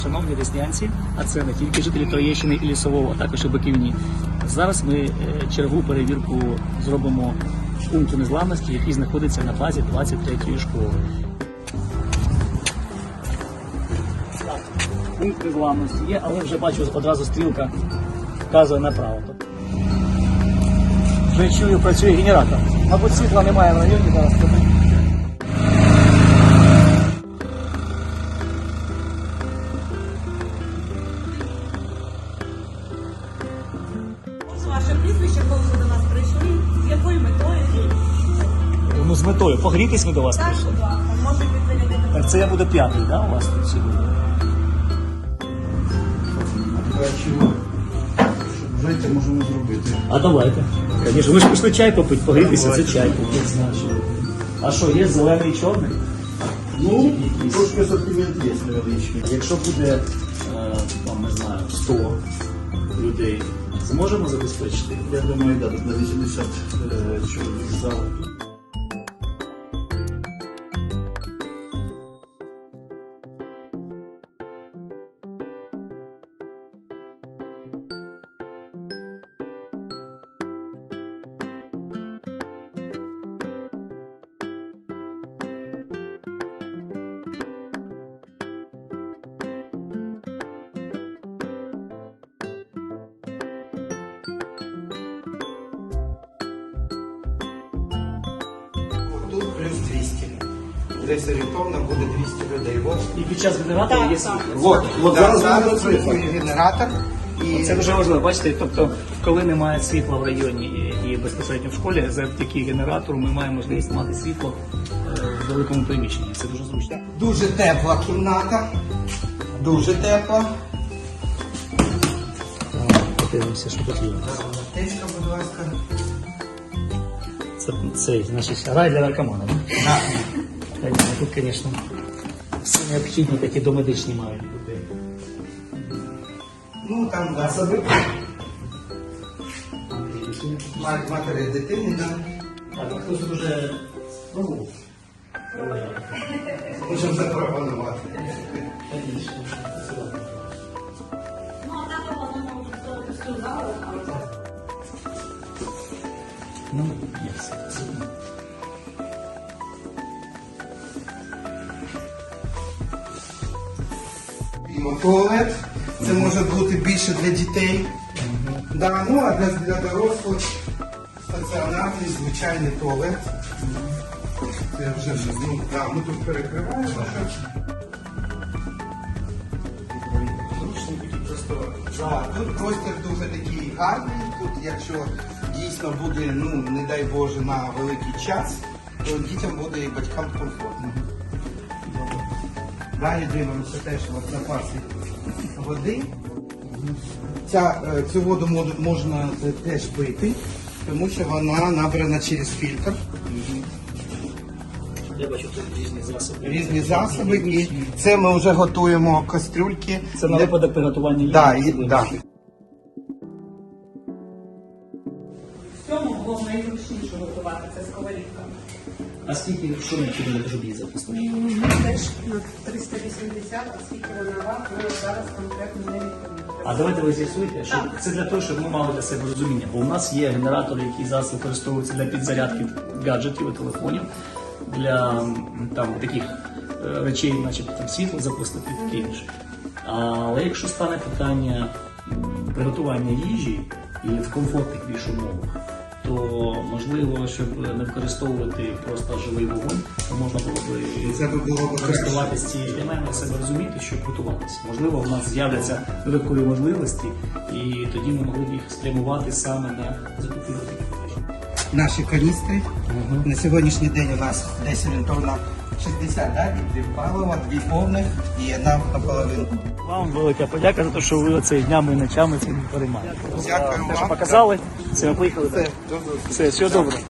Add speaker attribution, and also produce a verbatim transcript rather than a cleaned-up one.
Speaker 1: Шановні деснянці, а це не тільки жителі Троєщини і Лісового, а також і Биківні. Зараз ми чергову перевірку зробимо пункту незламності, який знаходиться на базі двадцять третьої школи. Так, пункт незламності є, але вже бачу, одразу стрілка вказує направо. Вже чую, працює генератор. Мабуть, світла немає в районі зараз.
Speaker 2: Ваше прізвище, коли ви до нас прийшли, з якою метою?
Speaker 1: Ну, з метою. Погрітись ми до вас
Speaker 2: Так,
Speaker 1: прийшли.
Speaker 2: будь ласка, може відведете.
Speaker 1: Так, це я буду п'ятий, да, у вас тут сьогодні?
Speaker 3: Чого? Знаєте, можемо зробити.
Speaker 1: А давайте. Звісно, ви ж пішли чай попити, погрітися, це чай попити. А що, є зелений і чорний?
Speaker 3: Ну, трошки асортимент є невеличкий.
Speaker 1: Якщо буде, е, там, не знаю, сто людей, зможемо забезпечити?
Speaker 3: Я думаю, да, на вісімдесят е, чоловік зал.
Speaker 4: Тут плюс двісті. Десь орієнтовно буде двісті людей. Вот.
Speaker 1: І під час генератора є світло.
Speaker 4: Вот.
Speaker 3: От
Speaker 4: Да,
Speaker 3: зараз
Speaker 4: зараз
Speaker 3: буде цифра.
Speaker 4: працює генератор. І
Speaker 1: Це дуже важливо, бачите, тобто, коли немає світла в районі і, і безпосередньо в школі, завдяки генератору ми маємо можливість мати світло е, в великому приміщенні. Це дуже зручно.
Speaker 4: дуже тепла кімната. Дуже тепла.
Speaker 1: Подивимося, що тут є.
Speaker 4: Аптечка, будь ласка.
Speaker 1: Це цей, значить, рай для наркоманів.
Speaker 4: Да.
Speaker 1: Тут, звісно, все необхідні такі домедичні мають бути.
Speaker 4: Ну там засоби. Мат- Матері дитини, да.
Speaker 1: Так, а хтось дуже спробував?
Speaker 4: Можемо запропонувати.
Speaker 2: Ну, а так у вас не можуть ставити всю залу, але
Speaker 1: Ну, є все.
Speaker 4: І туалет. Це може бути більше для дітей. Да, ну а для, для дорослих стаціонарний звичайний туалет. Це вже щось, ну, да, ми тут перекриваємо. Да, тут простір дуже такий гарний. Тут, якщо дійсно буде, ну не дай Боже, на великий час, то дітям буде і батькам комфортно. Далі дивимося теж от запаси води. Ця, е, цю воду мод- можна е, теж пити, тому що вона набрана через фільтр.
Speaker 1: Я бачу тут різні засоби.
Speaker 4: Різні засоби. І це ми вже готуємо кастрюльки.
Speaker 1: Це на
Speaker 4: для-
Speaker 1: випадок приготування їжі.
Speaker 4: Да, і, да.
Speaker 2: в цьому було найзручніше готувати, це сковорідка.
Speaker 1: А скільки, що необхідно для щоб її запустити?
Speaker 2: Ми теж на триста вісімдесят, оскільки вона вам, ми зараз конкретно не відповідаємо.
Speaker 1: А давайте ви з'ясуєте, що це для того, щоб ми мали для себе розуміння. Бо у нас є генератори, які зараз використовуються для підзарядки гаджетів і телефонів, для м, там таких е, речей, начебто там світло запустити і таке інше. Але якщо стане питання м, приготування їжі і в комфортних більш умовах, то можливо, щоб не використовувати просто живий вогонь, то можна було б
Speaker 4: Це би було б
Speaker 1: користуватися цією. Я маю на себе розуміти, щоб готуватися. Можливо, в нас з'являться додаткові можливості, і тоді ми могли б їх спрямувати саме на закупівлю таких речей.
Speaker 4: Наші каністри. На сьогоднішній день у нас десь орієнтовно шістдесят, да? Дві палива, дві повних і одна наполовину.
Speaker 1: Вам велика подяка за те, що ви оцей днями і ночами цим переймаєте.
Speaker 4: Дякую
Speaker 1: Те, що
Speaker 4: вам.
Speaker 1: показали, це ми поїхали.
Speaker 4: Все,
Speaker 1: Все, все добре.